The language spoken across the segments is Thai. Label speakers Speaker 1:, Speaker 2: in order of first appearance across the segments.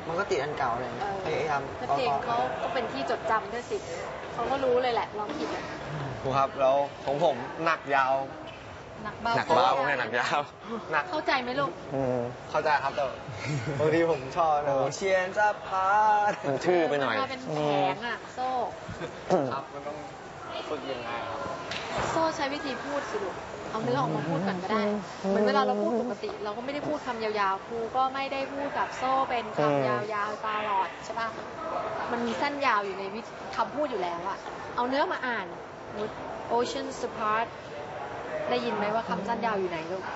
Speaker 1: มันก็ติดอันเก่าเลยพยายาม
Speaker 2: เพลงเขาก็เป็นที่จดจำด้วยสิเขาก็รู้เลยแหละร้องผิดอ่ะ
Speaker 1: ครูครับแล้วของผมหนักยาว
Speaker 2: หนักเบา
Speaker 1: ผมให้หนักยาวหนัก
Speaker 2: เข้าใจไหมลูก
Speaker 1: เข้าใจครับแต่บางทีผมชอบนะเชียนจะพามันชื่อไปหน่อย
Speaker 2: เป็นแผงอ่ะโซ่
Speaker 1: ครับมันต้องฝึกยังไงครับ
Speaker 2: โซ่ใช้วิธีพูดสิลูกเอาเนื้อออกมาพูดกันก็ได้เหมือนเวลาเราพูดปกติเราก็ไม่ได้พูดคำยาวๆครูก็ไม่ได้พูดกับโซ่เป็นคำยาวๆตลอดใช่ป่ะมันมีสั้นยาวอยู่ในคำพูดอยู่แล้วอะเอาเนื้อมาอ่าน Oceans Apart ได้ยินไหมว่าคำสั้นยาวอยู่ไหนลูก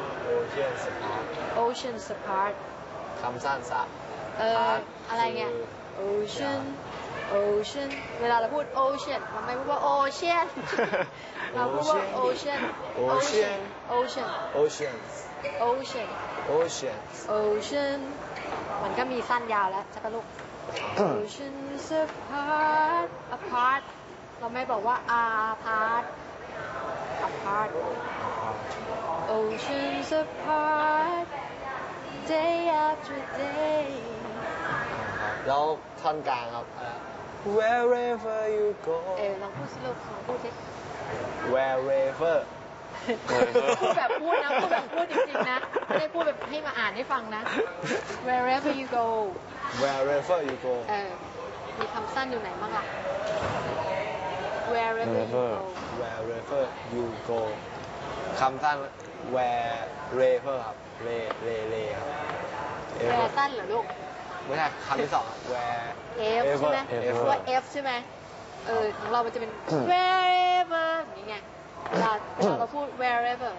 Speaker 2: Oceans Apart
Speaker 1: คำสั้นสะ
Speaker 2: อะไรเงี้ย Ocean เวลาเราพูด Ocean เราไม่พูดว่า Ocean เราพูดว่า Ocean มันก็มีสั้นยาวแล้วใช่ปะลูก Oceans apart เราไม่บอกว่า apart Oceans apart day after day
Speaker 1: แล้วท่อนกลางครับ Wherever you go
Speaker 2: ลองพูดสิลูกลองพูดสิ
Speaker 1: Wherever
Speaker 2: พูดแบบพูดนะพูดแบบพูดจริงๆนะไม่ได้พูดแบบให้มาอ่านให้ฟังนะ Wherever you go
Speaker 1: Wherever you go
Speaker 2: มีคำสั้นอยู่ไหนบ้างล่ะ Wherever
Speaker 1: you go คำสั้น wherever ครับเรครับ
Speaker 2: Where สั้นเหรอลูก
Speaker 1: ไม่ใช่คำที่สอง
Speaker 2: F ใช่ไหมตัว F ใช่ไหมของเรามันจะเป็น wherever อย่างเงี้ยเวลาเราพูด wherever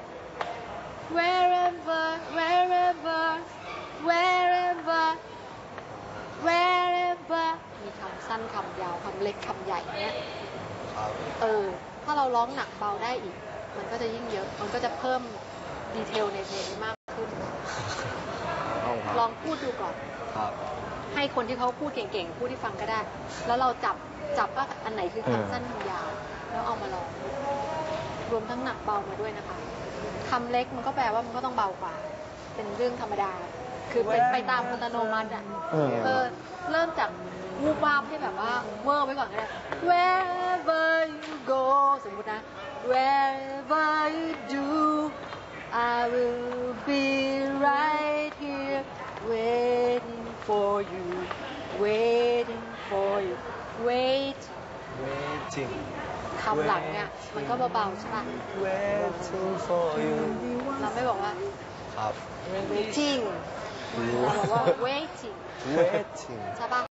Speaker 2: มีคำสั้นคำยาวคำเล็กคำใหญ่เนี้ยถ้าเราร้องหนักเบาได้อีกมันก็จะยิ่งเยอะมันก็จะเพิ่มดีเทลในเพลงมากขึ้นลองพูดดูก่อนให้คนที่เขาพูดเก่งๆพูดที่ฟังก็ได้แล้วเราจับว่าอันไหนคือคำสั้นคำยาวแล้วเอามาลองรวมทั้งหนักเบามาด้วยนะคะคำเล็กมันก็แปลว่ามันก็ต้องเบากว่าเป็นเรื่องธรรมดาคือเป็นไปตามอัตโนมัติอ่ะเริ่มจากวูบวาบให้แบบว่าเวอร์ไว้ก่อนก็ได้ Wherever you go สมมตินะ Wherever you do I will be right here waiting for you waiting waiting คำหลังเนี่ยมันก็เบาๆใช่ป่ะ
Speaker 1: waiting for you
Speaker 2: เราไม่บอกว่า
Speaker 1: ครับ
Speaker 2: waiting เราบอกว่า waiting ใช่ป่ะ